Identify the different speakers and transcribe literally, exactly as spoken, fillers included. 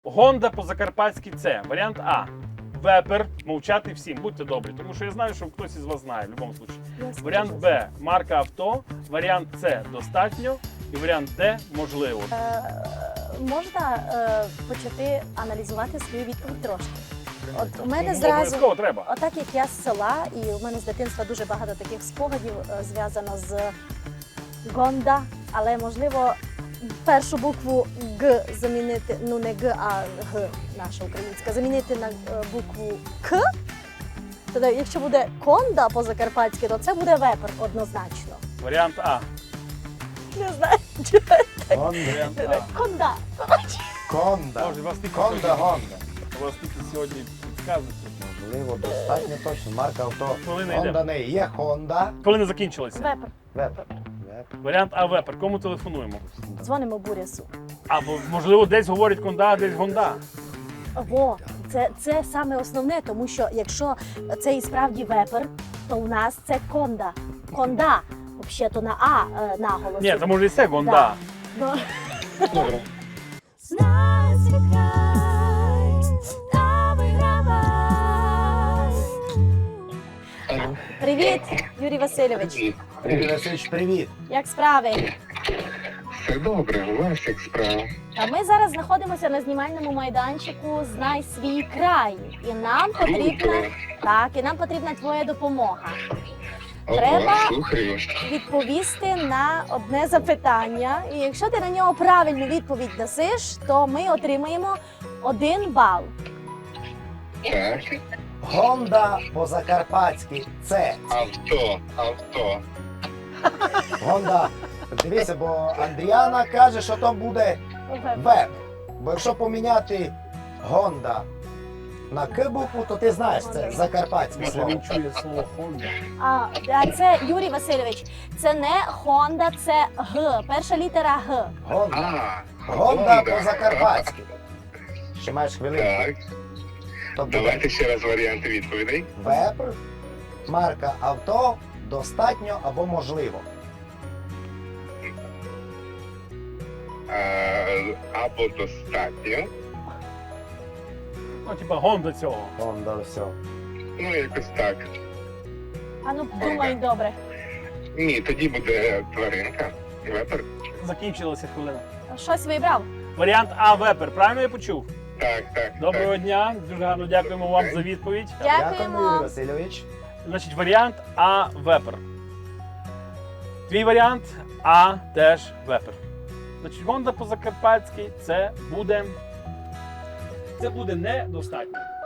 Speaker 1: Гонда по-закарпатськи це. Варіант А. Вепер. Мовчати всім. Будьте добрі, тому що я знаю, що хтось із вас знає в будь-якому випадку. Варіант Б. Марка авто. Варіант С. Достатньо. І варіант Д. Можливо.
Speaker 2: Е, можна е, почати аналізувати свою відповідь трошки. От у мене
Speaker 1: Ну,
Speaker 2: зразу,
Speaker 1: обов'язково треба.
Speaker 2: отак як я з села, і у мене з дитинства дуже багато таких спогадів е, зв'язано з Гонда, але можливо першу букву Г замінити, ну не Г, а Г, наша українська, замінити на е, букву К. Тоді, якщо буде Конда по-закарпатськи, то це буде вепер однозначно.
Speaker 1: Варіант А.
Speaker 2: Не знаю.
Speaker 3: Гонда.
Speaker 1: Варіант А.
Speaker 2: Конда.
Speaker 3: Конда.
Speaker 1: Боже, вас тільки
Speaker 3: Конда,
Speaker 1: сьогодні-
Speaker 3: Гонда.
Speaker 1: У вас тільки сьогодні підказують.
Speaker 3: Можливо, достатньо точно. Марка авто.
Speaker 1: Хвилина
Speaker 3: Гонда
Speaker 1: йде.
Speaker 3: не є Хонда.
Speaker 1: Коли не закінчилося.
Speaker 2: Вепер.
Speaker 3: Вепер. Вепер.
Speaker 1: Варіант А. Вепер. Кому телефонуємо?
Speaker 2: Дзвонимо Бурясу.
Speaker 1: Або, можливо, десь говорять Конда, а десь Гонда.
Speaker 2: Во, це, це саме основне, тому що якщо це і справді вепер, то у нас це конда. Конда. Взагалі-то на А е, наголос.
Speaker 1: Ні, це може і це Гонда.
Speaker 2: Ну,
Speaker 3: Добре.
Speaker 4: Знай свій край, та вигравай.
Speaker 2: Привіт, Юрій Васильович.
Speaker 3: Юрій Васильович, привіт.
Speaker 2: Як справи?
Speaker 5: Все добре, у вас як справа?
Speaker 2: А ми зараз знаходимося на знімальному майданчику Знай свій край. І нам потрібна, так, і нам потрібна твоя допомога. Треба
Speaker 5: Ого, слухаю.
Speaker 2: Відповісти на одне запитання. І якщо ти на нього правильну відповідь дасиш, то ми отримаємо один бал.
Speaker 5: Так,
Speaker 3: Гонда по-закарпатськи це.
Speaker 5: авто, авто.
Speaker 3: Гонда. Дивіться, бо Андріана каже, що то буде веб. Бо якщо поміняти Гонда на К букву, то ти знаєш, це закарпатське
Speaker 1: Може,
Speaker 3: слово.
Speaker 1: він чує слово Хонда.
Speaker 2: А, а це Юрій Васильович. Це не Хонда, це Г. Перша літера Г.
Speaker 3: Гонда.
Speaker 5: А,
Speaker 3: Гонда по-закарпатськи. Ще маєш хвилинку.
Speaker 5: Так,
Speaker 3: Тобто
Speaker 5: давайте ще раз варіанти відповідей.
Speaker 3: вепр, марка авто, достатньо або можливо.
Speaker 5: А, або достатньо.
Speaker 1: Ну, типа Гонда цього.
Speaker 3: Гонда, все.
Speaker 5: Ну, якось так.
Speaker 2: А ну думай добре.
Speaker 5: Ні, тоді буде тваринка. Вепер.
Speaker 1: Закінчилася хвилина.
Speaker 2: Щось вибрав?
Speaker 1: Варіант А. Вепер. Правильно я почув?
Speaker 5: Так, так.
Speaker 1: Доброго дня. Дуже гарно дякуємо вам за відповідь.
Speaker 2: Дякуємо.
Speaker 3: Юрій Васильович.
Speaker 1: Значить, варіант А. Вепер. Твій варіант А теж вепер. Значить, Гонда по-закарпатськи це буде. Це буде недостатньо.